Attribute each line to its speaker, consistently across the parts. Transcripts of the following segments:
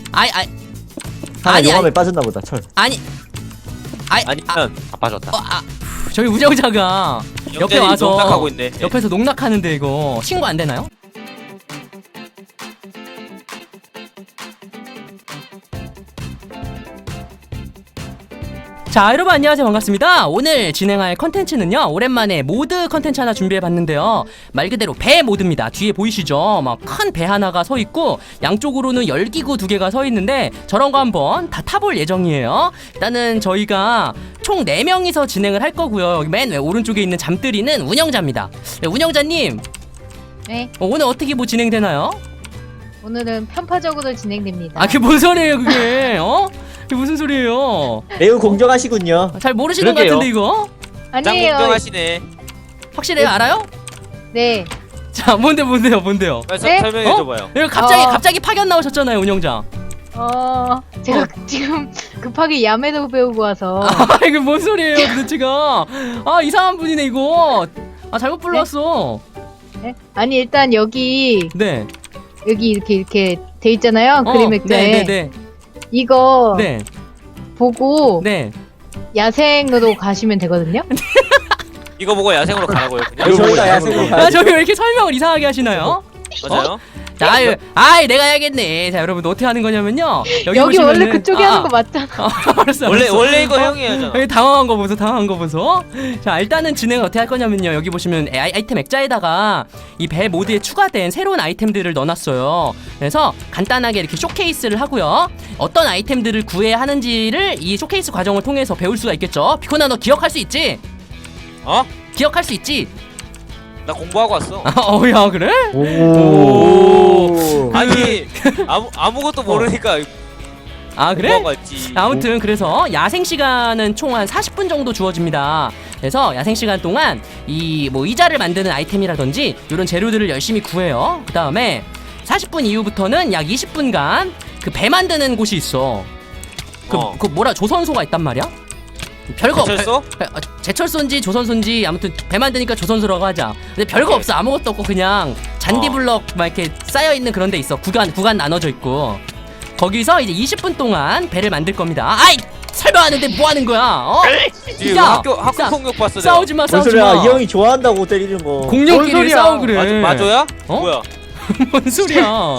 Speaker 1: 아니
Speaker 2: 용암에 빠졌나 보다. 철.
Speaker 3: 아니면 다 빠졌다.
Speaker 1: 저희 운영자가 옆에
Speaker 3: 영재님
Speaker 1: 와서
Speaker 3: 농락하고 있네.
Speaker 1: 옆에서 농락하는데 이거 신고 안 되나요? 자, 여러분 안녕하세요. 반갑습니다. 오늘 진행할 컨텐츠는요, 오랜만에 모드 컨텐츠 하나 준비해봤는데요, 말 그대로 배 모드입니다. 뒤에 보이시죠? 막 큰 배 하나가 서 있고 양쪽으로는 열기구 2개가 서 있는데 저런 거 한번 다 타볼 예정이에요. 일단은 저희가 총 4명이서 진행을 할 거고요. 여기 맨 오른쪽에 있는 잠들이는 운영자입니다. 네, 운영자님,
Speaker 4: 네,
Speaker 1: 오늘 어떻게 뭐 진행되나요?
Speaker 4: 오늘은 편파적으로 진행됩니다.
Speaker 1: 아, 그게 뭔 소리예요 그게? 그게 무슨 소리예요?
Speaker 2: 매우 공정하시군요.
Speaker 1: 잘 모르시는 것
Speaker 3: 그러게요.
Speaker 1: 같은데 이거?
Speaker 3: 짱
Speaker 4: 아니에요.
Speaker 3: 공정하시네.
Speaker 1: 확실해요? 알아요?
Speaker 4: 네,
Speaker 1: 자, 뭔데요?
Speaker 3: 빨리
Speaker 4: 네?
Speaker 3: 설명해줘봐요.
Speaker 1: 이거 갑자기 파견 나오셨잖아요, 운영자.
Speaker 4: 제가 지금 급하게 야매도 배우고 와서
Speaker 1: 이거 뭔 소리예요, 도대체가? 이상한 분이네 이거. 잘못 불러왔어.
Speaker 4: 네? 아니 일단 여기
Speaker 1: 네.
Speaker 4: 이렇게 돼 있잖아요. 그림 액자에
Speaker 1: 네.
Speaker 4: 이거
Speaker 1: 네.
Speaker 4: 보고
Speaker 1: 네.
Speaker 4: 야생으로 가시면 되거든요.
Speaker 3: 이거 보고 야생으로 가라고요. 그냥.
Speaker 2: 아니, 저희가 야생으로 가야지.
Speaker 1: 저기 왜 이렇게 설명을 이상하게 하시나요?
Speaker 3: 맞아요?
Speaker 1: 자, 내가 해야겠네. 자, 여러분 어떻게 하는 거냐면요.
Speaker 4: 여기
Speaker 1: 보시면은-
Speaker 4: 원래 그쪽이 하는 거 맞잖아.
Speaker 1: 알았어.
Speaker 3: 원래 이거 형이 하잖아.
Speaker 1: 여기 당황한 거 보소. 자, 일단은 진행을 어떻게 할 거냐면요, 여기 보시면 아이템 액자에다가 이 배 모드에 추가된 새로운 아이템들을 넣어놨어요. 그래서 간단하게 이렇게 쇼케이스를 하고요, 어떤 아이템들을 구해야 하는지를 이 쇼케이스 과정을 통해서 배울 수가 있겠죠. 비코나, 너 기억할 수 있지? 기억할 수 있지?
Speaker 3: 나 공부하고 왔어.
Speaker 1: 야, 그래?
Speaker 2: 오.
Speaker 3: 아니 아무것도 모르니까
Speaker 1: 그래?
Speaker 3: 공부하고 왔지.
Speaker 1: 아무튼 그래서 야생 시간은 총 한 40분 정도 주어집니다. 그래서 야생 시간 동안 이 뭐 의자를 만드는 아이템이라든지 이런 재료들을 열심히 구해요. 그 다음에 40분 이후부터는 약 20분간 그 배 만드는 곳이 있어. 그 뭐라, 조선소가 있단 말이야? 별거
Speaker 3: 제철소?
Speaker 1: 제철소인지 조선소인지 아무튼 배 만드니까 조선소라고 하자. 근데 별거 없어. 아무것도 없고 그냥 잔디블럭 막 이렇게 쌓여 있는 그런 데 있어. 구간 나눠져 있고. 거기서 이제 20분 동안 배를 만들 겁니다. 설명하는데 뭐 하는 거야?
Speaker 3: 지금
Speaker 1: 야,
Speaker 3: 학교 폭력 봤어. 내가.
Speaker 1: 싸우지 마.
Speaker 2: 뭔 소리야? 이 형이 좋아한다고 때리는 거.
Speaker 1: 공룡끼리 싸우 그래.
Speaker 3: 맞아야?
Speaker 1: 어?
Speaker 3: 뭐야?
Speaker 1: 뭔 소리야?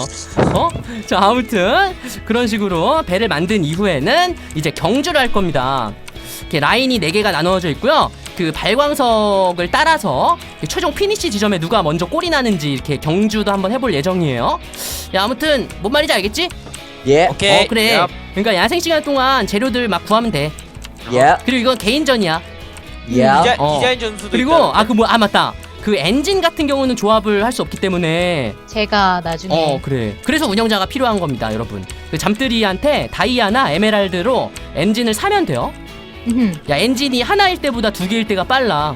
Speaker 1: 자, 아무튼 그런 식으로 배를 만든 이후에는 이제 경주를 할 겁니다. 이렇게 라인이 4개가 나누어져 있고요. 그 발광석을 따라서 최종 피니시 지점에 누가 먼저 골이 나는지 이렇게 경주도 한번 해볼 예정이에요. 야, 아무튼 뭔 말인지 알겠지?
Speaker 2: 예.
Speaker 3: 오케이.
Speaker 1: 그래.
Speaker 3: 야,
Speaker 1: 그러니까 야생 시간 동안 재료들 막 구하면 돼.
Speaker 2: 예.
Speaker 1: 그리고 이건 개인전이야.
Speaker 2: 예.
Speaker 3: 디자인 전수도
Speaker 1: 그리고
Speaker 3: 있다.
Speaker 1: 맞다. 그 엔진 같은 경우는 조합을 할 수 없기 때문에
Speaker 4: 제가 나중에
Speaker 1: 그래. 그래서 운영자가 필요한 겁니다, 여러분. 그 잠들이한테 다이아나 에메랄드로 엔진을 사면 돼요. 야, 엔진이 하나일 때보다 2개일 때가 빨라.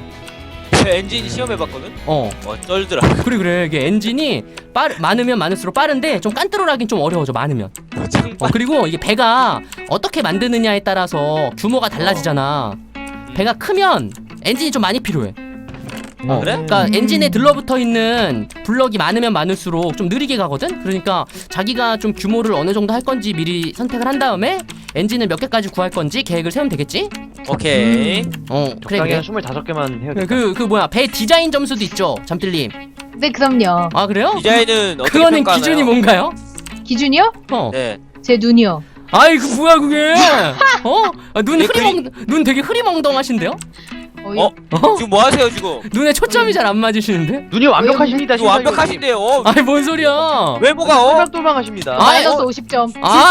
Speaker 3: 엔진 시험해봤거든. 쩔더라.
Speaker 1: 그래. 이게 엔진이 많으면 많을수록 빠른데 좀 깐뜨로라긴 좀 어려워져, 많으면. 그리고 이게 배가 어떻게 만드느냐에 따라서 규모가 달라지잖아. 배가 크면 엔진이 좀 많이 필요해.
Speaker 3: 그래?
Speaker 1: 그러니까 엔진에 들러붙어 있는 블럭이 많으면 많을수록 좀 느리게 가거든. 그러니까 자기가 좀 규모를 어느 정도 할 건지 미리 선택을 한 다음에 엔진을 몇 개까지 구할 건지 계획을 세우면 되겠지?
Speaker 3: 오케이.
Speaker 1: 그래.
Speaker 5: 한 25개만 해야겠다.
Speaker 1: 그 뭐야, 배 디자인 점수도 있죠, 잠들님.
Speaker 4: 네, 그럼요.
Speaker 1: 그래요?
Speaker 3: 디자인은 어떻게
Speaker 1: 그거는
Speaker 3: 평가하나요?
Speaker 1: 기준이 뭔가요?
Speaker 4: 기준이요?
Speaker 3: 네.
Speaker 4: 제 눈이요.
Speaker 1: 그 뭐야 그게? 눈 되게 흐리멍덩하신데요?
Speaker 3: 지금 뭐 하세요 지금?
Speaker 1: 눈에 초점이 잘 안 맞으시는데?
Speaker 5: 눈이 완벽하십니다.
Speaker 3: 이거 완벽하신데요.
Speaker 1: 뭔 소리야?
Speaker 3: 외모가
Speaker 5: 똘망똘망하십니다.
Speaker 4: 마이너스 50점.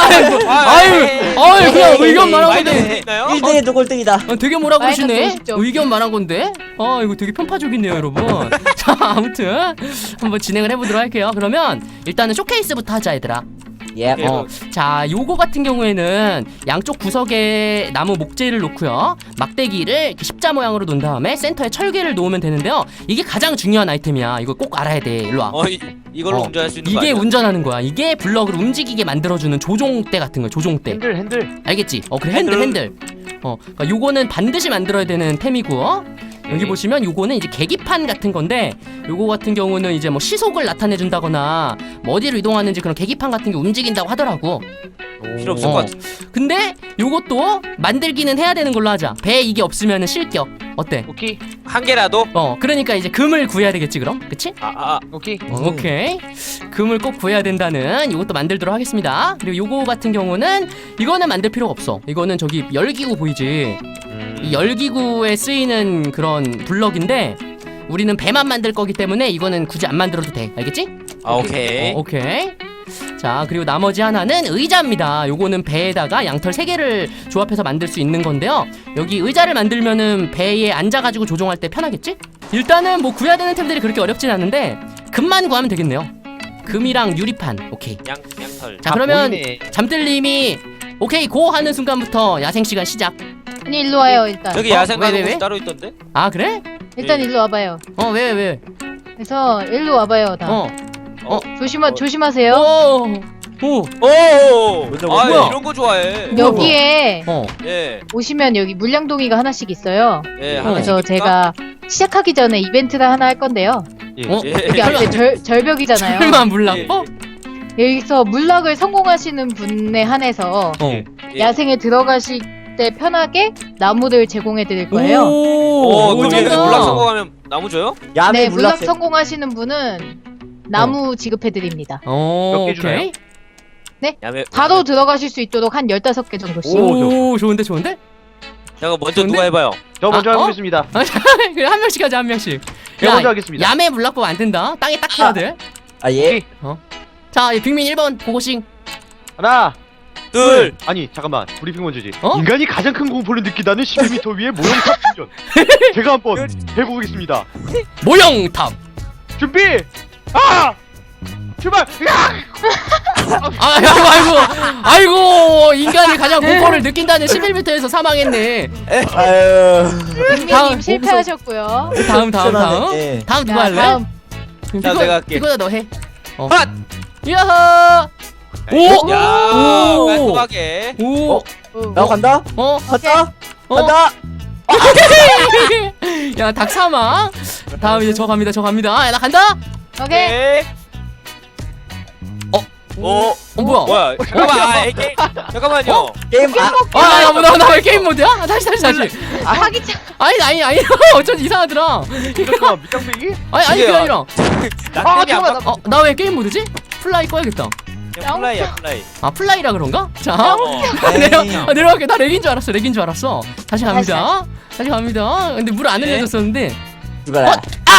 Speaker 1: 그냥 의견 말한
Speaker 3: 마이너스
Speaker 1: 건데.
Speaker 3: 있나요?
Speaker 2: 1등에도 꼴등이다.
Speaker 1: 되게 뭐라
Speaker 4: 마이너스
Speaker 1: 그러시네?
Speaker 4: 50점.
Speaker 1: 의견 말한 건데? 이거 되게 편파적이네요, 여러분. 자, 아무튼 한번 진행을 해보도록 할게요. 그러면 일단은 쇼케이스부터 하자, 얘들아.
Speaker 2: 예.
Speaker 1: 자, 요거 같은 경우에는 양쪽 구석에 나무 목재를 놓고요, 막대기를 이렇게 십자 모양으로 놓은 다음에 센터에 철개를 놓으면 되는데요. 이게 가장 중요한 아이템이야. 이거 꼭 알아야 돼. 일로 와.
Speaker 3: 이걸로 운전할 수 있는 거
Speaker 1: 이게
Speaker 3: 아니야?
Speaker 1: 운전하는 거야. 이게 블럭을 움직이게 만들어주는 조종대 같은 거야. 조종대.
Speaker 5: 핸들.
Speaker 1: 알겠지? 그래, 핸들. 그러니까 요거는 반드시 만들어야 되는 템이고, 여기 보시면 요거는 이제 계기판 같은 건데, 요거 같은 경우는 이제 뭐 시속을 나타내 준다거나 뭐 어디로 이동하는지 그런 계기판 같은 게 움직인다고 하더라고.
Speaker 3: 필요 없을 것 같아.
Speaker 1: 근데 요것도 만들기는 해야 되는 걸로 하자. 배 이게 없으면은 실격. 어때?
Speaker 5: 오케이.
Speaker 3: 한 개라도?
Speaker 1: 그러니까 이제 금을 구해야 되겠지 그럼? 그치?
Speaker 5: 오케이.
Speaker 1: 오케이. 금을 꼭 구해야 된다는 요것도 만들도록 하겠습니다. 그리고 요거 같은 경우는 이거는 만들 필요가 없어. 이거는 저기 열기구 보이지? 이 열기구에 쓰이는 그런 블럭인데 우리는 배만 만들 거기 때문에 이거는 굳이 안 만들어도 돼. 알겠지?
Speaker 3: 오케이.
Speaker 1: 오케이. 자, 그리고 나머지 하나는 의자입니다. 요거는 배에다가 양털 3개를 조합해서 만들 수 있는 건데요. 여기 의자를 만들면은 배에 앉아가지고 조종할 때 편하겠지? 일단은 뭐 구해야 되는 템들이 그렇게 어렵진 않은데 금만 구하면 되겠네요. 금이랑 유리판. 오케이.
Speaker 3: 양털.
Speaker 1: 자, 그러면
Speaker 5: 보이네.
Speaker 1: 잠들님이 오케이 고 하는 순간부터 야생 시간 시작.
Speaker 4: 아니 일로 와요 일단.
Speaker 3: 여기
Speaker 1: 어?
Speaker 3: 야생 가는
Speaker 1: 왜?
Speaker 3: 곳이 따로 있던데?
Speaker 1: 아, 그래?
Speaker 4: 일단 일로 와봐요.
Speaker 1: 왜?
Speaker 4: 그래서 일로 와봐요 다. 조심하세요.
Speaker 1: 오.
Speaker 3: 오!
Speaker 2: 먼저
Speaker 3: 아,
Speaker 1: 뭐야?
Speaker 3: 이런 거 좋아해.
Speaker 4: 여기에
Speaker 3: 예.
Speaker 4: 오시면 여기 물량동이가 하나씩 있어요.
Speaker 3: 예.
Speaker 4: 그래서 제가 시작하기 전에 이벤트를 하나 할 건데요.
Speaker 5: 예.
Speaker 1: 어?
Speaker 4: 여기 앞에 절벽이잖아요.
Speaker 1: 설마 물락법?
Speaker 4: 여기서 물락을 성공하시는 분에 한해서
Speaker 3: 예.
Speaker 4: 야생에 들어가실 때 편하게 나무를 제공해 드릴 거예요.
Speaker 3: 오, 그럼
Speaker 1: 쩐다.
Speaker 3: 얘네 물락 성공하면 나무 줘요?
Speaker 2: 야매
Speaker 4: 네, 물락
Speaker 2: 물락
Speaker 4: 성공하시는 분은 나무 지급해 드립니다.
Speaker 5: 몇 개 주나요?
Speaker 1: 오케이.
Speaker 3: 야매.
Speaker 4: 바로 들어가실 수 있도록 한 15개 정도씩.
Speaker 1: 오, 좋은데?
Speaker 3: 잠깐 먼저
Speaker 1: 좋은데?
Speaker 3: 누가 해봐요?
Speaker 5: 저 먼저
Speaker 1: 아,
Speaker 5: 해보겠습니다.
Speaker 1: 그래, 한 명씩 하자, 한 명씩.
Speaker 5: 제가 먼저 하겠습니다.
Speaker 1: 야매 물락법 안 된다. 땅에 딱 해야 돼.
Speaker 2: 아예
Speaker 1: 자, 빅민 1번 고고싱.
Speaker 5: 하나,
Speaker 3: 둘.
Speaker 5: 아니 잠깐만 브리핑 먼저지.
Speaker 1: 어?
Speaker 5: 인간이 가장 큰 공포를 느낀다는 11m 위의 모형탑 충전. 제가 한번 해보겠습니다.
Speaker 1: 모형탑.
Speaker 5: 준비. 출발.
Speaker 1: 아이고, 인간이 가장 공포를 느낀다는 11m에서 사망했네.
Speaker 2: 아유
Speaker 1: 다음,
Speaker 4: 빅민님 실패하셨고요.
Speaker 1: 다음.
Speaker 2: 예.
Speaker 1: 다음 누가
Speaker 4: 자,
Speaker 1: 할래?
Speaker 4: 다음.
Speaker 3: 자, 내가 할게.
Speaker 1: 이거다 너 해.
Speaker 3: 핫!
Speaker 1: 야하. 오.
Speaker 3: 야,
Speaker 1: 오.
Speaker 3: 깔끔하게.
Speaker 1: 오.
Speaker 2: 나 간다 간다 간다
Speaker 1: 야, 닭 사망. 다음 이제 저 갑니다. 야, 나 간다.
Speaker 4: 오케이.
Speaker 3: 네.
Speaker 1: 뭐야?
Speaker 3: 뭐야? 잠깐만. 잠깐만요.
Speaker 2: 게임
Speaker 1: 나왜 게임 모드야? 다시.
Speaker 4: 사기차.
Speaker 1: 아니. 어쩐지 이상하더라.
Speaker 5: 잠깐만 밑장빼기?
Speaker 1: 아니 그게 아니라.
Speaker 3: 나 때문에 안 바꿔.
Speaker 1: 나 왜 게임 모드지? 플라이 꺼야겠다.
Speaker 3: 그냥 플라이야, 플라이.
Speaker 1: 아, 플라이라 그런가? 자, 내려갈게. 나 렉인 줄 알았어. 다시 갑니다. 근데 물 안
Speaker 3: 네.
Speaker 1: 흘려줬었는데.
Speaker 2: 죽어라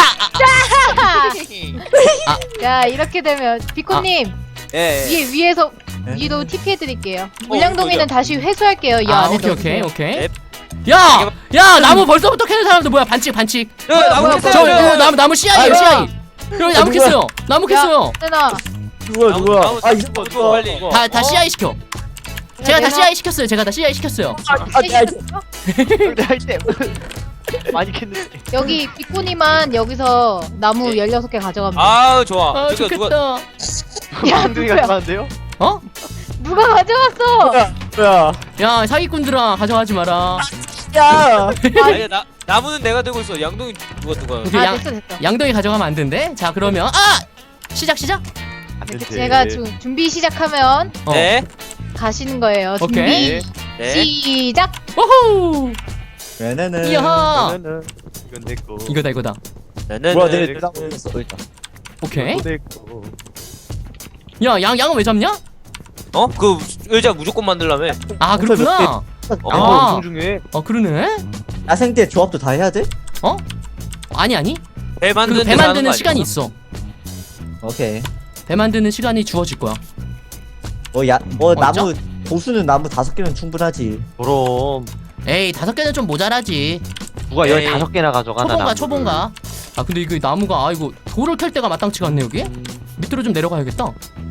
Speaker 4: 자 이렇게 되면 비코님
Speaker 3: 예.
Speaker 4: 위에서
Speaker 2: 네.
Speaker 4: 위로 TP 해드릴게요. 물량동이는
Speaker 3: 이거죠.
Speaker 4: 다시 회수할게요. 이 안에
Speaker 1: 오케이.
Speaker 3: 네.
Speaker 1: 야, 나무 벌써부터 캐는 사람들 뭐야? 반칙.
Speaker 3: 야, 나무
Speaker 4: 뭐야,
Speaker 3: 캤어요.
Speaker 1: 저 이거 나무 씨앗이에요,
Speaker 2: 아이고.
Speaker 1: 씨앗. 여기 나무
Speaker 2: 누구야?
Speaker 1: 캤어요. 나무 캤어요.
Speaker 4: 누나
Speaker 2: 누구야 아 이거
Speaker 3: 누구 빨리.
Speaker 1: 다 씨앗 시켜. 제가 다 씨앗 시켰어요.
Speaker 5: 할때 많이 캤는데.
Speaker 4: 여기 비코님만 여기서 나무 16개 가져가면 돼.
Speaker 3: 아우, 좋아.
Speaker 1: 아,
Speaker 3: 저기 누가
Speaker 1: 좋겠다.
Speaker 4: 야,
Speaker 5: 엉덩이가
Speaker 4: 누구야?
Speaker 5: 좋아하는데요?
Speaker 1: 어?
Speaker 4: 누가 가져갔어?
Speaker 2: 뭐야
Speaker 1: 야, 사기꾼들아, 가져가지 마라.
Speaker 2: 야
Speaker 3: 아니, 나무는 내가 들고 있어. 양동이 누가.
Speaker 1: 오케이,
Speaker 4: 아 됐어.
Speaker 1: 양동이 가져가면 안 된대. 자, 그러면 시작.
Speaker 5: 안 된대.
Speaker 4: 제가 준비 시작하면
Speaker 3: 네.
Speaker 4: 가시는 거예요.
Speaker 1: 오케이.
Speaker 4: 준비
Speaker 3: 네.
Speaker 4: 시작.
Speaker 1: 오호.
Speaker 2: 왜네는
Speaker 1: 이야.
Speaker 5: 이건 내 거.
Speaker 1: 이거다.
Speaker 2: 뭐야 내가 모르겠어 일단
Speaker 1: 오케이.
Speaker 5: 이건 내 거.
Speaker 1: 야, 양은 왜 잡냐?
Speaker 3: 그 의자 무조건 만들라며.
Speaker 1: 아, 그렇구나.
Speaker 5: 아,
Speaker 1: 아.
Speaker 5: 엄청 중요해.
Speaker 1: 그러네.
Speaker 2: 야생 때 조합도 다 해야 돼?
Speaker 1: 아니.
Speaker 3: 배 만드는
Speaker 1: 배 만드는 시간이 있어.
Speaker 2: 오케이
Speaker 1: 배 만드는 시간이 주어질 거야.
Speaker 2: 나무 보수는 나무 5개면 충분하지
Speaker 5: 그럼
Speaker 1: 에이, 5개는 좀 모자라지.
Speaker 5: 누가
Speaker 3: 에이.
Speaker 5: 15개나 가져가 나.
Speaker 1: 초본가. 아, 근데 이거 나무가 이거 돌을 캘 때가 마땅치가 않네 여기. 밑으로 좀 내려가야겠다.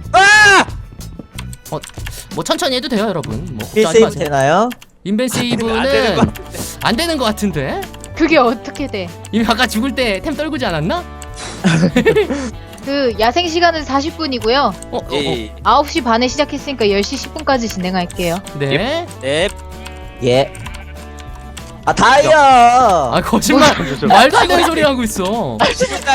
Speaker 1: 뭐 천천히 해도 돼요, 여러분. 뭐
Speaker 2: 힐
Speaker 1: 걱정하지
Speaker 2: 세이브
Speaker 1: 마세요.
Speaker 2: 되나요?
Speaker 1: 인벤
Speaker 3: 안 되는 거
Speaker 1: 세이브는 안 되는 것 같은데.
Speaker 4: 그게 어떻게 돼?
Speaker 1: 이미 아까 죽을 때 템 떨구지 않았나?
Speaker 4: 그 야생 시간은 40분이고요.
Speaker 3: 예.
Speaker 4: 9시 반에 시작했으니까 10시 10분까지 진행할게요.
Speaker 1: 네.
Speaker 3: 네.
Speaker 2: 예. 다이아.
Speaker 1: 아, 거짓말. 말도 안 되는 소리 하고 있어.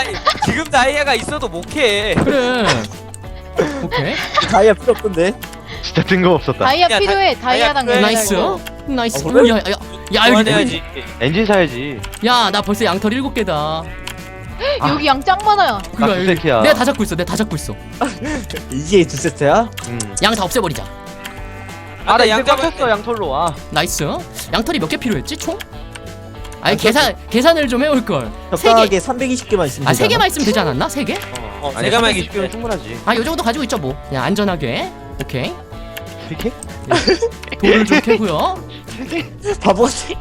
Speaker 3: 지금 다이아가 있어도 못 캐.
Speaker 1: 그래. 오케이.
Speaker 2: 다이아 필요 없던데.
Speaker 5: 진짜 뜬금없었다.
Speaker 4: 다이아
Speaker 3: 야,
Speaker 4: 필요해. 다이아당
Speaker 3: 그래.
Speaker 1: 나이스.
Speaker 4: 열달고.
Speaker 1: 나이스.
Speaker 2: 어, 그래?
Speaker 1: 야 여기
Speaker 3: 그만해야지.
Speaker 5: 엔진 사야지.
Speaker 1: 야 나 벌써 양털 7개다.
Speaker 4: 여기 양 짱 많아요.
Speaker 5: 나 두 세트야.
Speaker 1: 내가 다 잡고 있어. 내가 다 잡고 있어.
Speaker 2: 이게 2세트야?
Speaker 1: 양 다 없애버리자.
Speaker 5: 아, 나 이제
Speaker 3: 양잡
Speaker 5: 꽉찼어 양털로. 아,
Speaker 1: 나이스. 양털이 몇 개 필요했지 총? 아니 계산을 좀 해올 걸.
Speaker 2: 적당하게 320개만 있으면
Speaker 1: 아 3개만
Speaker 2: 되잖아.
Speaker 1: 있으면 되지 않았나? 3개?
Speaker 5: 아니,
Speaker 3: 내가 말기
Speaker 5: 20개면 충분하지.
Speaker 1: 아 요 정도 가지고 있죠 뭐. 그냥 안전하게. 오케이.
Speaker 5: 3개?
Speaker 1: 돌을 좀 캐고요.
Speaker 2: 바보같이.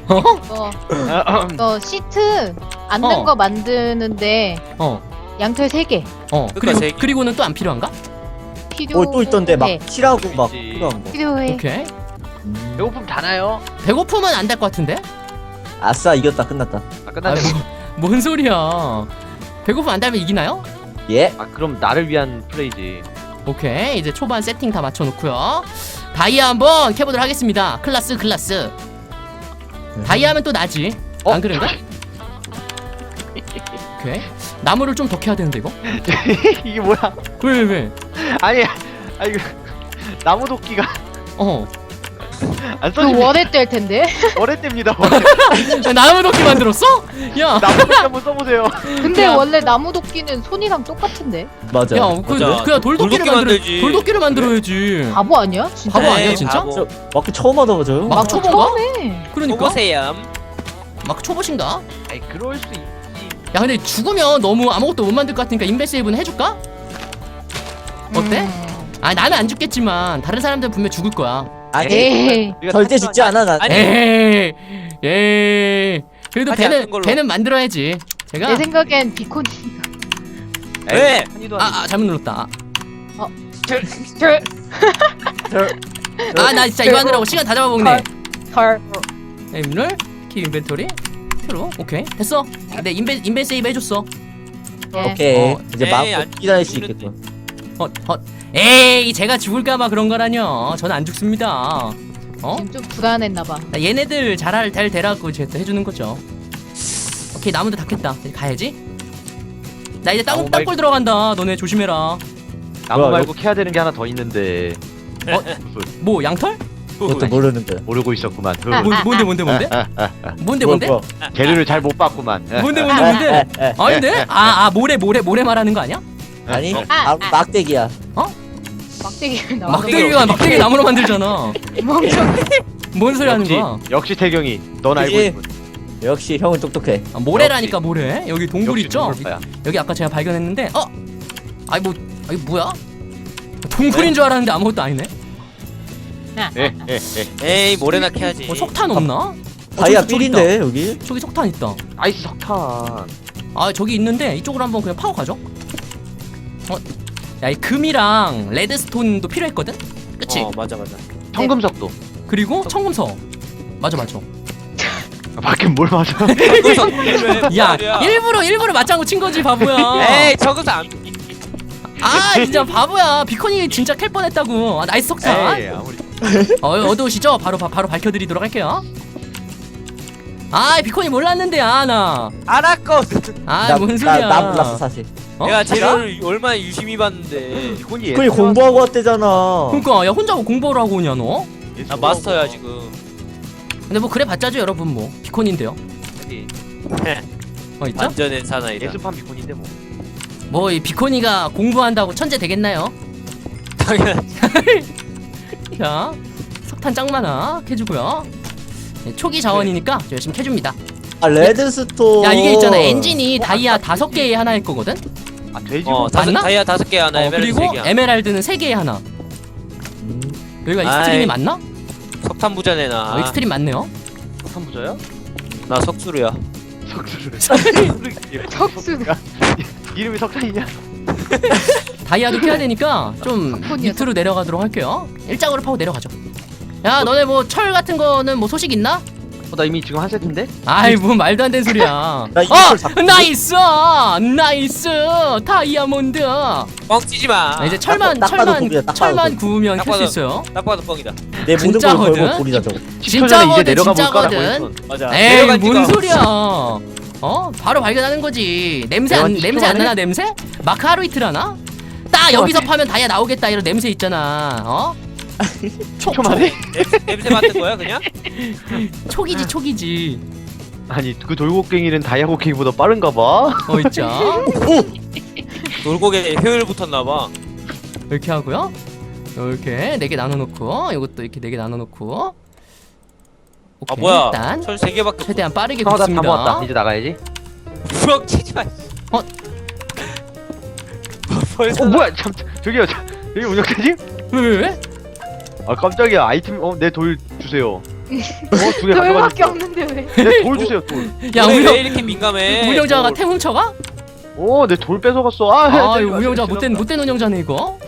Speaker 4: 너 시트 앉는
Speaker 1: 어.
Speaker 4: 거 만드는데
Speaker 1: 어.
Speaker 4: 양털 3개
Speaker 3: 그러니까 세 개.
Speaker 1: 그리고는 또 안 필요한가?
Speaker 4: 필요해.
Speaker 2: 또 있던데 막 칠하고 막
Speaker 5: 있지.
Speaker 2: 필요한 거.
Speaker 4: 필요해.
Speaker 1: 오케이.
Speaker 5: 배고픔 다 나요.
Speaker 1: 배고프면 안 될 것 같은데?
Speaker 2: 아싸 이겼다 끝났다.
Speaker 5: 아, 끝났네.
Speaker 1: 뭔 소리야? 배고프면 안 되면 이기나요?
Speaker 2: 예.
Speaker 5: 아, 그럼 나를 위한 플레이지.
Speaker 1: 오케이. 이제 초반 세팅 다 맞춰놓고요. 다이아 한번 캐보도록 하겠습니다. 클라스. 다이아 하면 또 나지. 안 그런가? 오케이. 나무를 좀 더 캐야 되는데 이거?
Speaker 5: 이게 뭐야?
Speaker 1: 왜?
Speaker 5: 아니, 이거 나무 도끼가
Speaker 1: 어.
Speaker 5: 안
Speaker 4: 그
Speaker 5: 써집니다.
Speaker 4: 원에 뗄 텐데.
Speaker 5: 어렛됩니다.
Speaker 1: 야, 나무 도끼 만들었어? 야.
Speaker 5: 나무 도끼 한번 써보세요.
Speaker 4: 근데
Speaker 1: 야.
Speaker 4: 원래 나무 도끼는 손이랑 똑같은데.
Speaker 2: 맞아.
Speaker 1: 야,
Speaker 3: 맞아.
Speaker 1: 그냥 돌도끼를
Speaker 3: 돌도끼 만들지.
Speaker 1: 돌도끼를 만들어야지.
Speaker 4: 바보 아니야? 진짜.
Speaker 1: 바보 아니야
Speaker 3: 에이,
Speaker 1: 진짜?
Speaker 3: 바보.
Speaker 2: 저 마크 처음 하다보죠.
Speaker 1: 막 초보인가?
Speaker 4: 처음에.
Speaker 1: 그러니까.
Speaker 3: 보세요.
Speaker 1: 막 초보신가?
Speaker 5: 아이, 그럴 수 있지.
Speaker 1: 야 근데 죽으면 너무 아무것도 못 만들 것 같으니까 인벤 세이브는 해줄까? 어때? 아 나는 안 죽겠지만 다른 사람들은 분명 죽을 거야.
Speaker 2: 아니
Speaker 4: 에이.
Speaker 5: 우리가
Speaker 2: 절대 죽지 않아 난.
Speaker 3: 아니.
Speaker 1: 에이 그래도
Speaker 3: 하지 않는 걸로.
Speaker 1: 배는 만들어야지. 제가
Speaker 4: 내 생각엔 비콘이.
Speaker 3: 왜?
Speaker 5: 한이도 아니고.
Speaker 1: 잘못 눌렀다.
Speaker 4: 털.
Speaker 1: 나 진짜 이거 하느라고 시간 다 잡아먹네.
Speaker 4: 털.
Speaker 1: 인물 키 인벤토리 트루 오케이 됐어. 내 인벤 세이브 해줬어.
Speaker 4: 예.
Speaker 2: 오케이. 이제
Speaker 3: 에이,
Speaker 2: 마음껏
Speaker 3: 안
Speaker 2: 기다릴 수
Speaker 3: 죽는데.
Speaker 2: 있겠군.
Speaker 1: 에이 제가 죽을까봐 그런 거라뇨. 저는 안 죽습니다.
Speaker 4: 지금 좀 불안했나봐.
Speaker 1: 나 얘네들 잘 되라고 제가 해주는 거죠. 오케이 나무도 다 캤다. 이제 가야지. 나 이제
Speaker 5: 나무
Speaker 1: 땅굴 들어간다. 너네 조심해라.
Speaker 5: 나무
Speaker 2: 뭐야,
Speaker 5: 말고 캐야 되는 게 하나 더 있는데.
Speaker 1: 뭐 양털?
Speaker 2: 그것도 모르는데.
Speaker 5: 모르고 있었구만.
Speaker 1: 뭔데? 뭔데?
Speaker 5: 재료를 잘 못 봤구만.
Speaker 1: 뭔데?
Speaker 2: 에.
Speaker 1: 아닌데? 모래 말하는 거 아니야?
Speaker 2: 아니
Speaker 4: 아,
Speaker 2: 막대기야.
Speaker 4: 막대기 나와.
Speaker 1: 막대기 나무로 만들잖아.
Speaker 4: 멍청.
Speaker 1: 뭔 소리 하는 거야?
Speaker 5: 역시 태경이. 넌 알고
Speaker 2: 그치?
Speaker 5: 있군.
Speaker 2: 역시 형은 똑똑해.
Speaker 1: 모래라니까 모래. 여기 동굴
Speaker 5: 역시
Speaker 1: 있죠?
Speaker 5: 동물파야.
Speaker 1: 여기 아까 제가 발견했는데 이게 뭐야? 동굴인 줄 알았는데 아무것도 아니네.
Speaker 3: 에이 모래나 캐야지.
Speaker 1: 뭐 석탄 없나?
Speaker 2: 다이아
Speaker 1: 저기 있다.
Speaker 2: 삘인데 여기.
Speaker 1: 저기 석탄 있다.
Speaker 5: 아이스 석탄.
Speaker 1: 저기 있는데 이쪽으로 한번 그냥 파고 가죠. 야, 이 금이랑 레드스톤도 필요했거든. 그치?
Speaker 3: 맞아.
Speaker 5: 청금석도.
Speaker 1: 그리고 청금석. 맞아.
Speaker 5: 밖에 뭘 맞아?
Speaker 1: 야, 일부러 맞장구 친 거지, 바보야.
Speaker 3: 에이 저것도 안.
Speaker 1: 진짜 바보야. 비콘이 진짜 캘 뻔했다고. 나이스 석탄.
Speaker 5: 에이, 아무리.
Speaker 1: 어두우시죠? 바로 밝혀드리도록 할게요. 비콘이 몰랐는데 나.
Speaker 3: 알았고.
Speaker 1: 뭔 소리야?
Speaker 2: 나 몰랐어 사실.
Speaker 3: 내가 재료를 얼마나 유심히 봤는데.
Speaker 5: 이건이
Speaker 2: 그니 공부하고 왔대잖아.
Speaker 1: 그러니까 야 혼자 뭐 공부를 하고 오냐 너?
Speaker 3: 나 마스터야 지금.
Speaker 1: 근데 뭐 그래 봤자죠 여러분 뭐 비콘인데요. 있죠?
Speaker 3: 완전한 사나이다.
Speaker 5: 예술판 비콘인데 뭐.
Speaker 1: 뭐 이 비코니가 공부한다고 천재 되겠나요?
Speaker 3: 당연하지.
Speaker 1: 자 석탄 짱 많아 캐주고요. 초기 자원이니까 저 열심히 캐줍니다.
Speaker 2: 레드스톤.
Speaker 1: 야 이게 있잖아 엔진이 다이아 5개에 하나일 거거든.
Speaker 5: 아, 돼지고.
Speaker 1: 맞나?
Speaker 3: 다이아 5개 하나, 에메랄드
Speaker 1: 그리고
Speaker 3: 3개.
Speaker 1: 에메랄드는 3개에 하나. 여기가 익스트림이
Speaker 3: 아이.
Speaker 1: 맞나?
Speaker 3: 석탄 부자네 나.
Speaker 1: 익스트림 맞네요.
Speaker 5: 석탄 부자야?
Speaker 3: 나 석수루야.
Speaker 5: 석수를.
Speaker 4: 석수.
Speaker 5: 이름이 석탄이냐?
Speaker 1: 다이아도 캐야 되니까 좀
Speaker 4: 석탄이야,
Speaker 1: 밑으로 내려가도록 할게요. 일장으로 파고 내려가죠. 야 너네 뭐 철 같은 거는 뭐 소식 있나?
Speaker 5: 나 이미 지금 한 세트인데?
Speaker 1: 뭐 말도 안 되는 소리야.
Speaker 2: 나 이걸 잡고
Speaker 1: 나이스 다이아몬드.
Speaker 3: 뻥치지 마.
Speaker 1: 이제
Speaker 2: 딱 봐도 돌이야, 딱 봐도
Speaker 1: 철만
Speaker 2: 돌.
Speaker 1: 구우면
Speaker 3: 딱
Speaker 1: 캘 수
Speaker 3: 봐도.
Speaker 1: 있어요.
Speaker 3: 딱 봐도 뻥이다.
Speaker 2: 내 모든 걸
Speaker 1: 진짜거든?
Speaker 2: 걸고 돌이다 저거.
Speaker 5: 10초 전에 이제 내려가 볼까라고
Speaker 1: 진짜거든.
Speaker 5: 했어.
Speaker 3: 맞아.
Speaker 1: 에이
Speaker 3: 내려간
Speaker 1: 뭔
Speaker 3: 지가-
Speaker 1: 소리야. 바로 발견하는 거지. 냄새 안 나나 냄새? 마크 하루이트라나? 딱 여기서 파면 다이아 나오겠다 이런 냄새 있잖아.
Speaker 5: 촉촉하네?
Speaker 3: 냄새 맡은 거야 그냥?
Speaker 1: 촉이지 촉이지.
Speaker 5: 아니 그 돌고갱이는 다이아 곡괭이보다 빠른가 봐.
Speaker 1: 있자.
Speaker 3: 돌고개 효율 붙었나봐.
Speaker 1: 이렇게 하고요. 이렇게 4개 나눠놓고 이것도 이렇게 4개 나눠놓고.
Speaker 3: 아
Speaker 1: 오케이,
Speaker 3: 뭐야?
Speaker 1: 일단
Speaker 3: 철 3개밖에.
Speaker 1: 최대한 빠르게
Speaker 5: 나다
Speaker 1: 굽습니다.
Speaker 5: 모았다. 이제 나가야지.
Speaker 3: 부엌 치지 마.
Speaker 1: 어?
Speaker 3: 벌써.
Speaker 5: 뭐야? 참 저기요. 여기 운영자님?
Speaker 1: 왜?
Speaker 5: 아 깜짝이야. 아이템 내 돌 주세요. 2개
Speaker 4: 돌밖에
Speaker 5: 가져가셨어.
Speaker 4: 없는데 왜?
Speaker 5: 내 돌 주세요. 돌.
Speaker 1: 야
Speaker 3: 왜
Speaker 1: 운영
Speaker 3: 이렇게 민감해?
Speaker 1: 운영자가
Speaker 3: 뭐,
Speaker 1: 템 훔쳐가?
Speaker 5: 내 돌 뺏어갔어.
Speaker 1: 아 이거 운영자 못된 운영자네 이거.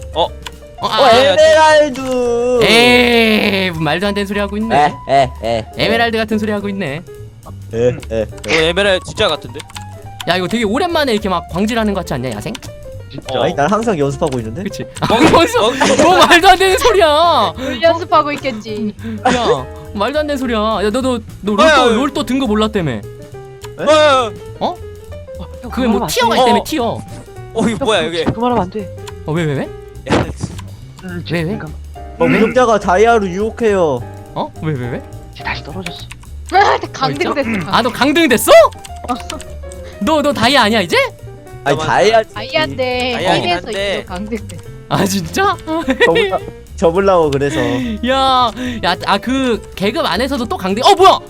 Speaker 2: 에메랄드.
Speaker 1: 에이 말도 안 되는 소리 하고 있네.
Speaker 2: 에.
Speaker 1: 에메랄드 같은 소리 하고 있네.
Speaker 2: 에.
Speaker 3: 에메랄드 진짜 같은데?
Speaker 1: 야 이거 되게 오랜만에 이렇게 막 광질하는 것 같지 않냐 야생?
Speaker 5: 진짜.
Speaker 2: 아니 난 항상 연습하고 있는데.
Speaker 1: 그치? 벌써 뭐 말도 안 되는 소리야.
Speaker 4: 물 연습하고 있겠지.
Speaker 1: 야 말도 안 되는 소리야. 야 너
Speaker 3: 아유.
Speaker 1: 롤 또 든 거 몰랐다며.
Speaker 3: 어,
Speaker 1: 그게 뭐 티어가 있다며 티어.
Speaker 3: 이거 뭐야 여기?
Speaker 5: 그만하면 안 돼.
Speaker 1: 왜?
Speaker 3: 야,
Speaker 1: 왜?
Speaker 2: 운영자가 다이아로 유혹해요.
Speaker 1: 어? 왜?
Speaker 5: 이제 다시 떨어졌어.
Speaker 4: 강등됐어.
Speaker 1: 아 너 강등 됐어? 너 다이아 아니야 이제?
Speaker 2: 아니 다이아.
Speaker 4: 아이한데
Speaker 3: 다이아긴
Speaker 4: 팀에서
Speaker 3: 한데.
Speaker 4: 이거 강등됐어.
Speaker 1: 아 진짜?
Speaker 2: 접으려고 그래서.
Speaker 1: 그 계급 안에서도 또 강등. 뭐야?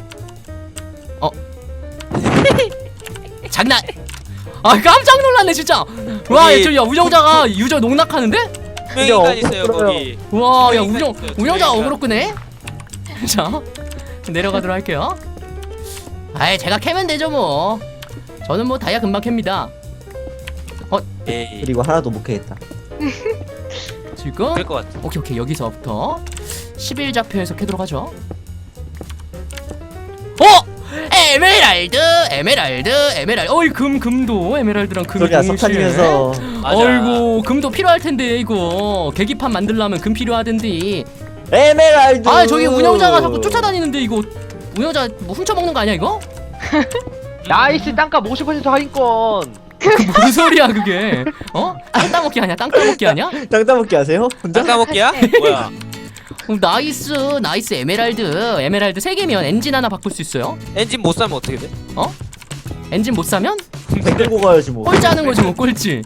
Speaker 1: 장난. 깜짝 놀랐네 진짜. 와,
Speaker 3: 거기-
Speaker 1: 야 운영자가 유저 농락하는데?
Speaker 3: 분명히 있어요
Speaker 2: 없어요.
Speaker 3: 거기.
Speaker 1: 와, 야
Speaker 3: 분명히 있어요,
Speaker 1: 운영자가
Speaker 3: 분명히
Speaker 1: 어그로 끄네. 자, 내려가도록 할게요. 제가 캐면 되죠 뭐. 저는 뭐 다이아 금방 캡니다.
Speaker 3: 에이,
Speaker 2: 그리고 하나도 못 캐겠다.
Speaker 1: 지금
Speaker 3: 그럴 것 같아.
Speaker 1: 오케이 여기서부터 11좌표에서 캐도록 하죠. 에메랄드. 어이 금도 에메랄드랑 금이
Speaker 2: 소리야
Speaker 1: 동시에.
Speaker 2: 석탄이면서.
Speaker 3: 맞아.
Speaker 1: 어이구 금도 필요할 텐데 이거 계기판 만들려면 금 필요하던데.
Speaker 2: 에메랄드.
Speaker 1: 저기 운영자가 자꾸 쫓아다니는데 이거 운영자 뭐 훔쳐먹는 거 아니야 이거?
Speaker 5: 나이스 땅값 50% 할인권.
Speaker 1: 무슨 소리야 그게? 땅 따먹기 아니야? 땅 따먹기 아니야?
Speaker 2: 땅 따먹기 하세요? 혼자?
Speaker 3: 땅 따먹기야? 뭐야?
Speaker 1: 나이스 에메랄드 3개면 엔진 하나 바꿀 수 있어요.
Speaker 3: 엔진 못 사면 어떻게 돼?
Speaker 1: 엔진 못 사면
Speaker 2: 끌고 가야지 뭐.
Speaker 1: 꼴찌 하는 거지 뭐 꼴찌.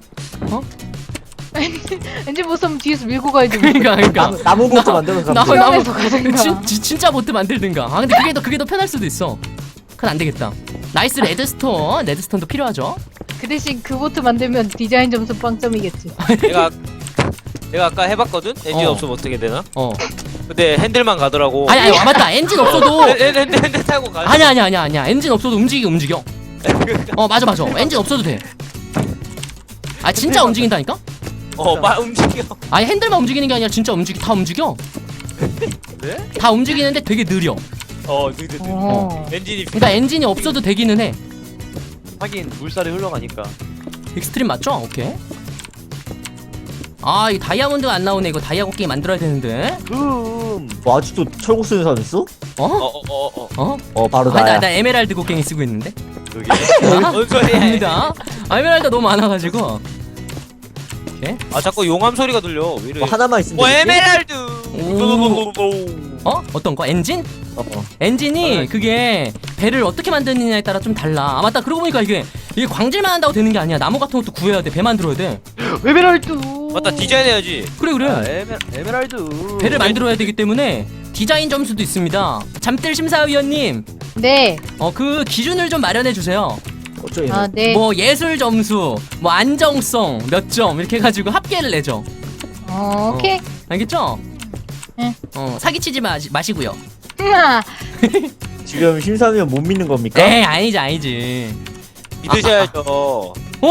Speaker 4: 왠지 못 쓰면 뒤에서 밀고 가야지. 뭐.
Speaker 1: 그러니까
Speaker 2: 나무 보트 만들어서 가면 돼.
Speaker 4: 수영해서 가든가.
Speaker 1: 진짜 보트 만들든가. 근데 그게 더 편할 수도 있어. 그건 안 되겠다. 나이스 레드스톤도 필요하죠.
Speaker 4: 그 대신 그 보트 만들면 디자인 점수 빵점이겠지.
Speaker 3: 내가 아까 해봤거든? 엔진
Speaker 1: 어.
Speaker 3: 없으면 어떻게 되나?
Speaker 1: 어.
Speaker 3: 근데 핸들만 가더라고.
Speaker 1: 아니 맞다. 엔진 없어도
Speaker 3: 핸들 타고 가.
Speaker 1: 아니야. 엔진 없어도 움직여. 맞아. 엔진 없어도 돼. 진짜 움직인다니까?
Speaker 3: 움직여.
Speaker 1: 아니 핸들만 움직이는 게 아니라 진짜 다 움직여.
Speaker 3: 네?
Speaker 1: 다 움직이는데 되게 느려.
Speaker 3: 느드.
Speaker 4: 어.
Speaker 3: 엔진이.
Speaker 1: 그러니까 엔진이 없어도 되기는 해.
Speaker 5: 하긴 물살이 흘러가니까.
Speaker 1: 익스트림 맞죠? 오케이. 이 다이아몬드가 안 나오네. 이거 다이아 곡괭이 만들어야 되는데.
Speaker 2: 뭐 아직도 철곡 쓰는 사람 있어? 바로 나야.
Speaker 1: 나 에메랄드 곡괭이 쓰고 있는데.
Speaker 5: 여기.
Speaker 3: 뭔 소리야?
Speaker 1: 아닙니다. 에메랄드 너무 많아가지고. 오케이.
Speaker 3: 자꾸 용암 소리가 들려. 왜 이래?
Speaker 2: 뭐 하나만 있으면 되겠지?
Speaker 3: 에메랄드.
Speaker 1: 어떤 거? 엔진?
Speaker 2: 어.
Speaker 1: 엔진이 그게 배를 어떻게 만드느냐에 따라 좀 달라. 맞다. 그러고 보니까 이게 광질만 한다고 되는 게 아니야. 나무 같은 것도 구해야 돼. 배 만들어야 돼.
Speaker 5: 에메랄드.
Speaker 3: 맞다, 디자인 해야지.
Speaker 1: 그래.
Speaker 5: 에메랄드.
Speaker 1: 배를 만들어야 되기 때문에 디자인 점수도 있습니다. 잠들 심사위원님,
Speaker 4: 네.
Speaker 1: 그 기준을 좀 마련해 주세요.
Speaker 2: 어쩌니?
Speaker 4: 네.
Speaker 1: 뭐 예술 점수, 뭐 안정성 몇 점 이렇게 해가지고 합계를 내죠.
Speaker 4: 오케이.
Speaker 1: 알겠죠?
Speaker 4: 네.
Speaker 1: 사기치지 마시고요.
Speaker 2: 지금 심사위원 못 믿는 겁니까?
Speaker 1: 에이 아니지.
Speaker 3: 믿으셔야죠.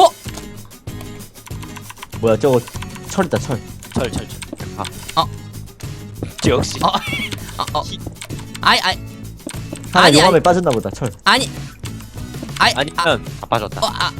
Speaker 2: 뭐야 저거 철이다 철.
Speaker 3: 철.
Speaker 1: 아.
Speaker 3: 역시.
Speaker 2: 하나
Speaker 1: 아니,
Speaker 2: 용암에 빠졌나 보다 철.
Speaker 1: 아니면
Speaker 5: 빠졌다.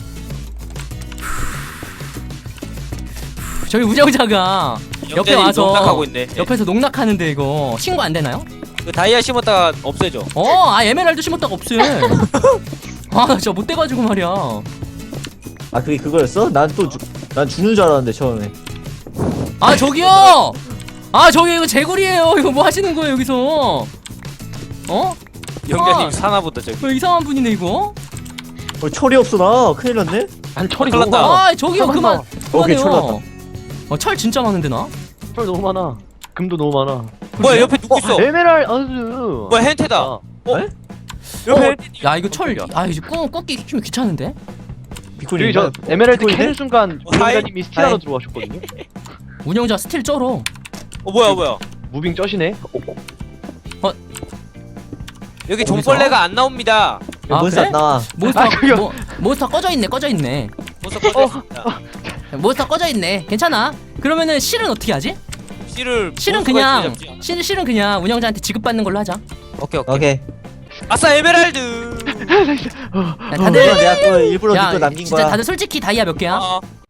Speaker 1: 저희 운영자가 옆에
Speaker 3: 영재이
Speaker 1: 와서
Speaker 3: 농락하고 있네.
Speaker 1: 옆에서 농락하는데 이거 신고 안 되나요?
Speaker 3: 그 다이아 심었다가 없애줘.
Speaker 1: 에메랄드 심었다가 없애. 나 진짜 못 돼가지고 말이야.
Speaker 2: 그게 그거였어? 난 죽는 줄 알았는데 처음에.
Speaker 1: 저기요. 아 저기 이거 제굴이에요. 이거 뭐 하시는 거예요 여기서? 어?
Speaker 3: 영자님
Speaker 1: 아.
Speaker 3: 사나보다 저기.
Speaker 1: 뭐 이상한 분이네 이거.
Speaker 2: 철이 없어 나. 큰일 났네.
Speaker 5: 난 철이
Speaker 3: 큰일
Speaker 5: 너무
Speaker 3: 났다.
Speaker 5: 많아.
Speaker 1: 아 저기요 그만.
Speaker 2: 오케이, 철
Speaker 1: 그만해요. 철 진짜 많은데 나.
Speaker 5: 철 너무 많아. 금도 너무 많아.
Speaker 3: 뭐야 옆에 누구 있어?
Speaker 5: 에메랄드.
Speaker 3: 뭐야 hen태다.
Speaker 5: 아,
Speaker 3: 옆에 hen태.
Speaker 1: 야 이거 철. 아 이제 꺾기 좀 귀찮은데.
Speaker 5: 저기 저 에메랄드
Speaker 2: 비콘이네?
Speaker 5: 캐는 순간
Speaker 3: 하이.
Speaker 5: 우영자님이 스틸하러
Speaker 2: 하이.
Speaker 5: 들어와셨거든요.
Speaker 1: 운영자 스틸 쩔어.
Speaker 3: 뭐야.
Speaker 5: 무빙 쩌시네.
Speaker 3: 여기
Speaker 1: 어디서?
Speaker 3: 종벌레가 안 나옵니다.
Speaker 1: 아,
Speaker 2: 몬스터
Speaker 1: 그래?
Speaker 2: 안 나와.
Speaker 1: 몬스터
Speaker 5: 아, 저기요.
Speaker 1: 몬스터 꺼져 있네.
Speaker 3: 벌써 꺼졌습니다.
Speaker 1: 몬스터 꺼져 있네. 괜찮아. 그러면은 실은 어떻게 하지?
Speaker 3: 실을
Speaker 1: 실은
Speaker 3: 몬스터가
Speaker 1: 그냥
Speaker 3: 있어야 잡지.
Speaker 1: 실은 그냥 운영자한테 지급받는 걸로 하자.
Speaker 3: 오케이.
Speaker 2: 오케이.
Speaker 3: 아싸 에메랄드.
Speaker 1: 야,
Speaker 2: 다들
Speaker 1: 다들
Speaker 2: 내가 또 일부러
Speaker 1: 야
Speaker 2: 니거 남긴
Speaker 1: 진짜
Speaker 2: 거야.
Speaker 1: 다들 솔직히 다이아 몇 개야?